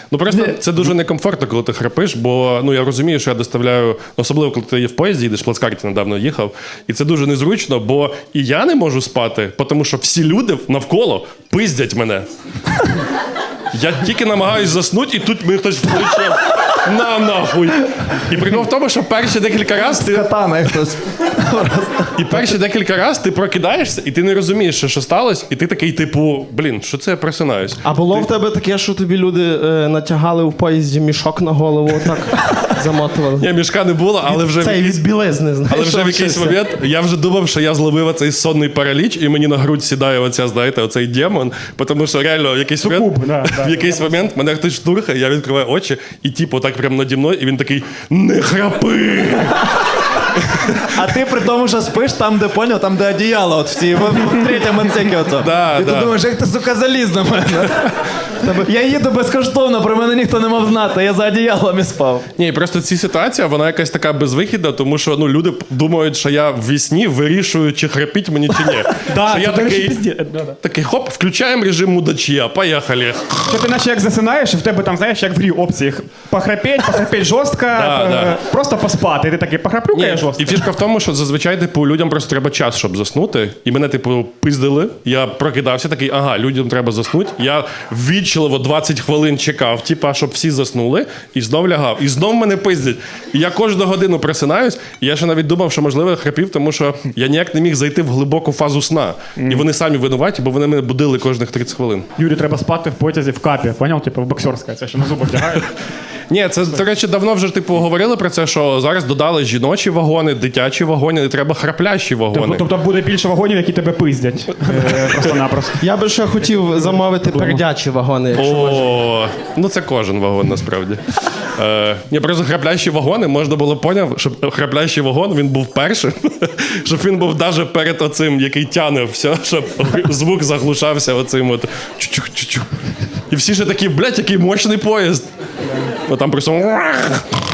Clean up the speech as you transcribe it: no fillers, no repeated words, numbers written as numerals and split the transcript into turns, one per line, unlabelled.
Ну просто це дуже некомфортно, коли ти храпиш, бо я розумію, що я доставляю, особливо коли ти в поїзді їдеш, в плацкарті недавно їхав, і це дуже незручно, бо і я не можу спати, тому що всі люди навколо пиздять мене. Я тільки намагаюсь заснути, і тут мені хтось включив. Нахуй. І прикол в тому, що перші декілька разів ти...
Катана хтось.
І перші декілька разів ти прокидаєшся, і ти не розумієш, що сталося, і ти такий, типу, що це я просинаюсь?
А було в тебе таке, що тобі люди натягали в поїзді мішок на голову, отак замотували?
Ні, мішка не було, але вже...
Це від білизни, знаєш.
Але вже в якийсь момент я вже думав, що я зловив оцей сонний параліч, і мені на грудь сідає оцей демон, тому що реально в якийсь момент мене хтось штурхає, я відкриваю очі, і типу так прямо наді мною, і він такий: не храпи!
А ти при тому, що спиш там, де поняв, там, де одіяло, от в третьому отсекі ото.
Да,
І ти думаєш, як ти, сука, заліз на мене. Я їду безкоштовно, про мене ніхто не мав знати, я за одіялом і спав.
Ні, просто ця ситуація, вона якась така безвихідна, тому що люди думають, що я в вісні вирішую, чи храпіть мені, чи ні. Що я такий, хоп, включаємо режим мудачія, поїхали.
Що ти наче як засинаєш, і в тебе там, знаєш, як в грі опції. Похрапеть жорстко, просто поспати. І ти такий, похраплю-ка я жорстко.
І фішка в тому, що зазвичай, людям просто треба час, щоб заснути. І мене, пиздили. Я прокидався такий, людям треба заснути. Я ввічливо 20 хвилин чекав, щоб всі заснули, і знов лягав. І знов мене пиздять. І я кожну годину просинаюсь, і я ще навіть думав, що, можливо, я храпів, тому що я ніяк не міг зайти в глибоку фазу сна. І вони самі винуваті, бо вони мене будили кожних 30 хвилин.
Юрі, треба спати в потязі в капі, поняв? В боксерська, це що на зуби вдягають.
Ні, це, до речі, давно вже говорили про це, що зараз додали жіночі вагони, дитячі вагони, не треба храплящі вагони.
Тобто буде більше вагонів, які тебе пиздять. Просто-напросто.
Я би ще хотів замовити пердячі вагони, якщо можна.
Це кожен вагон, насправді. Просто храплящі вагони, можна було поняв, щоб храплящий вагон, він був першим, щоб він був навіть перед оцим, який тяне все, щоб звук заглушався оцим от чух-чух-чух. І всі ще такі, який мощний поїзд. Там просто...